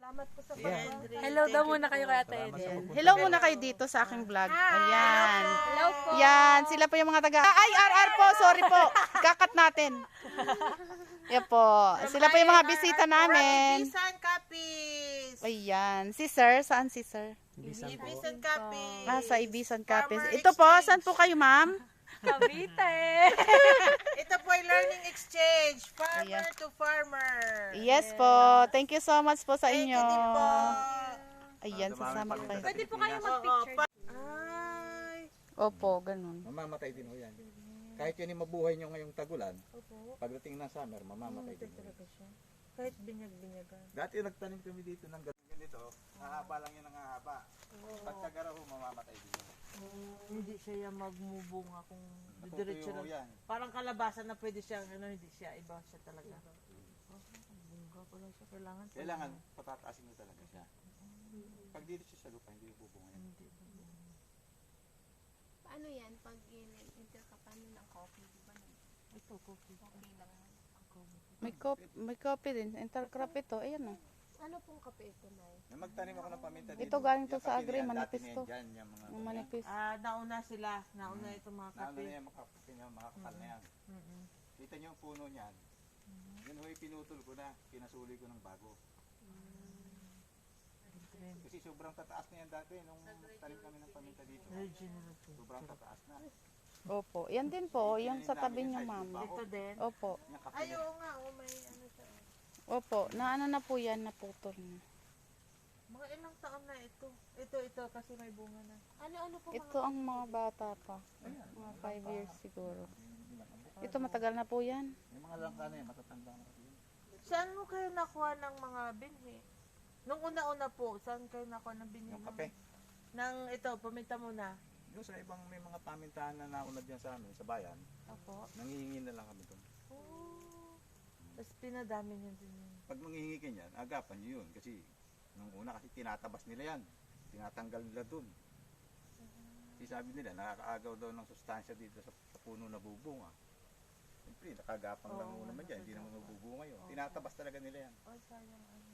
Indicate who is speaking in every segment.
Speaker 1: Salamat po sa
Speaker 2: Ayan.
Speaker 3: Hello daw muna kayo kay Ate Edel.
Speaker 4: Hello muna kayo dito sa aking vlog. Ayan.
Speaker 3: Hello po.
Speaker 4: Yan, sila po yung mga taga... Ay, RR po, sorry po. Kakat natin. Yan po. Sila po yung mga bisita namin.
Speaker 1: Ibisan Capis.
Speaker 4: Ayan. Si Sir, saan si Sir?
Speaker 1: Ibisan Capis.
Speaker 4: Ah, sa Ibisan Capes. Ito po, saan po kayo, ma'am?
Speaker 3: Cavite.
Speaker 1: Ito po ay learning exchange. Farmer
Speaker 4: Ayan.
Speaker 1: to farmer.
Speaker 4: Yes po. Thank you so much po sa
Speaker 1: Thank
Speaker 4: inyo.
Speaker 1: you din po.
Speaker 4: Ayan, sasama kayo.
Speaker 3: Pwede po kayo
Speaker 1: Oo,
Speaker 3: mag-picture.
Speaker 1: Ay.
Speaker 4: Opo, ganun.
Speaker 2: Mamamatay din ho yan. Kahit yun yung mabuhay nyo ngayong tagulan, pagdating ng summer, mamamatay din ho.
Speaker 1: Kahit binyag-binyagan.
Speaker 2: Dati nagtanim kami dito ng ganito, hahaba lang yun ang hahaba. Pagkagara ho, mamamatay din ho.
Speaker 1: Hindi siya magmubunga kung diretso
Speaker 2: Natutuyo ho
Speaker 1: lang.
Speaker 2: yan.
Speaker 1: Parang kalabasan na pwede siyang, hindi siya, iba siya talaga. Bunga pala siya,
Speaker 2: Kailangan patataasin mo talaga siya. Pag dito siya sa lupa, hindi bubunga yan.
Speaker 5: Paano yan? Pag interkapan ng coffee, di ba?
Speaker 1: Ito, coffee.
Speaker 5: Okay lang.
Speaker 4: May copy din. Intercrop ito. Ayan o.
Speaker 5: Ano pong kape ito, Nay?
Speaker 2: Na magtanim ako ng paminta dito.
Speaker 4: Ito galing to
Speaker 2: Yung
Speaker 4: sa
Speaker 2: kape
Speaker 4: Agri,
Speaker 2: na yan,
Speaker 4: manipis
Speaker 2: dati na
Speaker 4: to.
Speaker 2: yan dyan, yung mga
Speaker 4: Ang manipis.
Speaker 1: Nauna sila. Nauna itong mga
Speaker 2: Naano
Speaker 1: kape.
Speaker 2: na yan, makakape niya, makakapal na yan. Kita niyo yung puno niyan. Yun ho, pinutol ko na, pinasuli ko ng bago. Kasi sobrang tataas na yan dati nung tanim kami ng paminta dito. Sobrang tataas na.
Speaker 4: Opo. Yan din po. Yung sa tabi niyo, ma'am.
Speaker 1: Ito din.
Speaker 4: Opo.
Speaker 2: Yung kape
Speaker 1: Ay,
Speaker 2: niya.
Speaker 1: oo nga. Oh, may ano siya.
Speaker 4: Opo. Naano na po yan. Naputol na.
Speaker 1: Mga ilang taon na ito. Ito kasi may bunga na.
Speaker 5: Ano po
Speaker 4: Ito ang mga bata pa. Mga 5 years siguro. Ito matagal na po yan.
Speaker 2: Yung mga langka na yan, matatanda na kasi yun.
Speaker 1: Saan mo kayo nakuha ng mga binhi? Nung una-una po, saan kayo nakuha ng binhi?
Speaker 2: Yung kape.
Speaker 1: Nang ito, paminta mo na.
Speaker 2: Yung sa ibang may mga pamintahan na naunad yan sa amin, sa bayan,
Speaker 1: Opo.
Speaker 2: nangihingi na lang kami doon.
Speaker 1: Oh. Tapos pinadami niyo din yun.
Speaker 2: Pag manghihingi ka niyan, agapan niyo yun. Kasi nung una kasi tinatabas nila yan. Tinatanggal nila doon. Kasi sabi nila, nakakaagaw daw ng sustansya dito sa puno na bubunga. Siyempre, nakagapang lang muna naman dyan. Hindi naman mabubunga yun. Tinatabas talaga nila yan.
Speaker 1: Oh, sayang ano.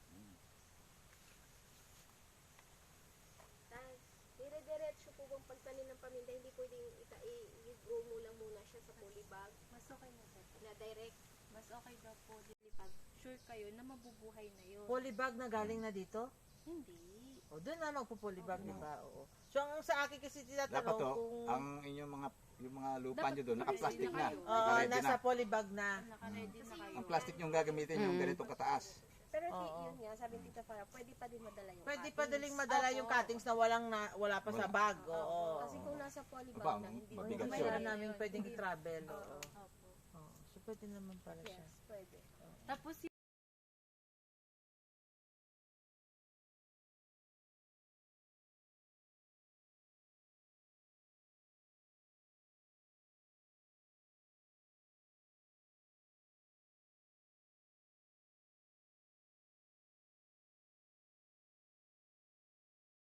Speaker 5: dire-diretso po bang pagtanim ng paminta, hindi pwedeng i-grow mo lang muna siya sa polybag?
Speaker 6: Mas okay na po.
Speaker 5: Na direct?
Speaker 6: Mas okay daw po pag sure kayo na mabubuhay na yun.
Speaker 1: Polybag na galing na dito?
Speaker 6: Hindi.
Speaker 1: O, doon na magpo-polybag, di ba? Oo. So, ang sa akin kasi
Speaker 2: Dapat
Speaker 1: tinatanong
Speaker 2: to,
Speaker 1: kung
Speaker 2: ang inyong yung mga lupa
Speaker 6: Dapat
Speaker 2: nyo doon, naka-plastic na.
Speaker 6: kayo.
Speaker 2: Naka-ready
Speaker 1: nasa
Speaker 2: na.
Speaker 1: polybag na.
Speaker 6: Naka-ready na kayo.
Speaker 2: Ang plastic yung gagamitin yung ganitong kataas.
Speaker 5: Pero
Speaker 1: Oo.
Speaker 5: yun nga, sabi ni Tita Farah, pwede pa din madala yung
Speaker 1: Pwede
Speaker 5: cuttings.
Speaker 1: pa daling madala yung cuttings na wala pa sa bag. Oo.
Speaker 5: Kasi kung nasa polybag
Speaker 2: Aba,
Speaker 5: na, hindi
Speaker 2: mabigat
Speaker 1: Hindi
Speaker 2: yun.
Speaker 1: pa namin pwedeng i-travel. Oo.
Speaker 6: Opo.
Speaker 1: Oo. So, pwede naman pala siya.
Speaker 5: Yes, pwede.
Speaker 6: Tapos